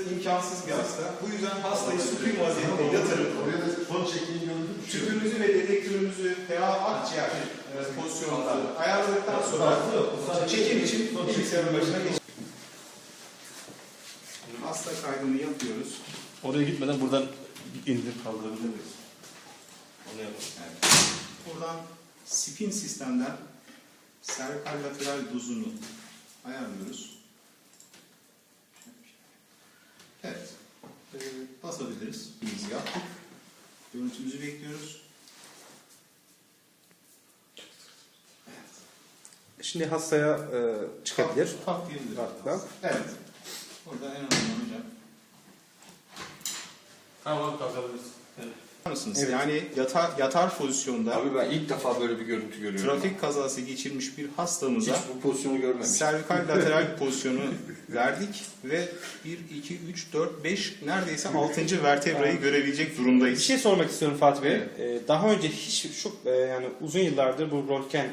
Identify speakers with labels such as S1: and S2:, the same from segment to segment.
S1: imkansız bir hasta. Bu yüzden hastayı supin vaziyette yatırıp tüpümüzü ve dedektörümüzü veya akciğer pozisyonunda ayarladıktan sonra çekim için bilgisayarın başına geçiyoruz. Hasta kaydını yapıyoruz.
S2: Oraya gitmeden buradan indirip kaldırabilir miyiz? Onu yapalım.
S1: Evet. Buradan spin sistemden servikal lateral dozunu ayarlıyoruz. Evet. Basabiliriz. Biz yaptık. Görüntümüzü bekliyoruz.
S3: Şimdi hastaya çıkabilir.
S1: Tak diyebiliriz.
S3: Rahatlıkla.
S1: Evet. Burada en önemli hocam.
S2: Tamam, kalkabiliriz. Evet.
S1: Mısınız?
S3: Evet.
S1: Yani yatar pozisyonda
S4: Abi ben ilk defa böyle bir görüntü görüyorum.
S1: trafik kazası geçirmiş bir hastamıza
S4: Hiç bu pozisyonu görmemiştim.
S1: servikal lateral pozisyonu verdik ve 1, 2, 3, 4, 5 neredeyse 6. vertebrayı görebilecek durumdayız.
S3: Bir şey sormak istiyorum Fatih Bey.
S1: Evet.
S3: Daha önce hiç yani uzun yıllardır bu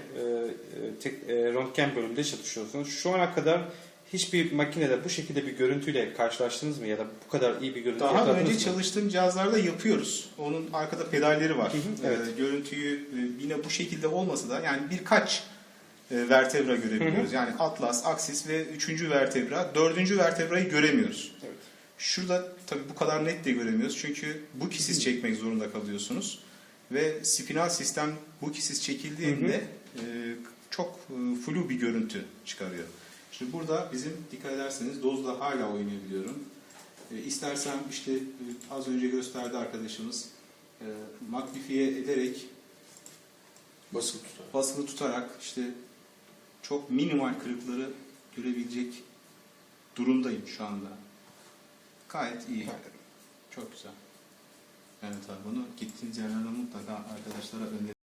S3: röntgen bölümünde çalışıyorsunuz. Şu ana kadar hiçbir makinede bu şekilde bir görüntüyle karşılaştınız mı ya da bu kadar iyi bir görüntü
S1: Daha
S3: yakaladınız
S1: önce
S3: mı?
S1: çalıştığım cihazlarda yapıyoruz. Onun arkada pedalleri var.
S3: Evet.
S1: Görüntüyü yine bu şekilde olmasa da yani birkaç vertebra görebiliyoruz. Yani atlas, aksis ve 3. vertebra. 4. vertebrayı göremiyoruz.
S3: Evet.
S1: Şurada tabii bu kadar net de göremiyoruz. Çünkü bu kisis çekmek zorunda kalıyorsunuz. Ve spinal sistem bu kisis çekildiğinde çok flu bir görüntü çıkarıyor. Şimdi burada bizim dikkat ederseniz dozla hala oynayabiliyorum. İstersem işte az önce gösterdi arkadaşımız magnifiye ederek basılı tutarak işte çok minimal kırıkları görebilecek durumdayım şu anda. Gayet iyi. Çok güzel. Evet abi bunu gittiğiniz yerlerde mutlaka arkadaşlara önerin.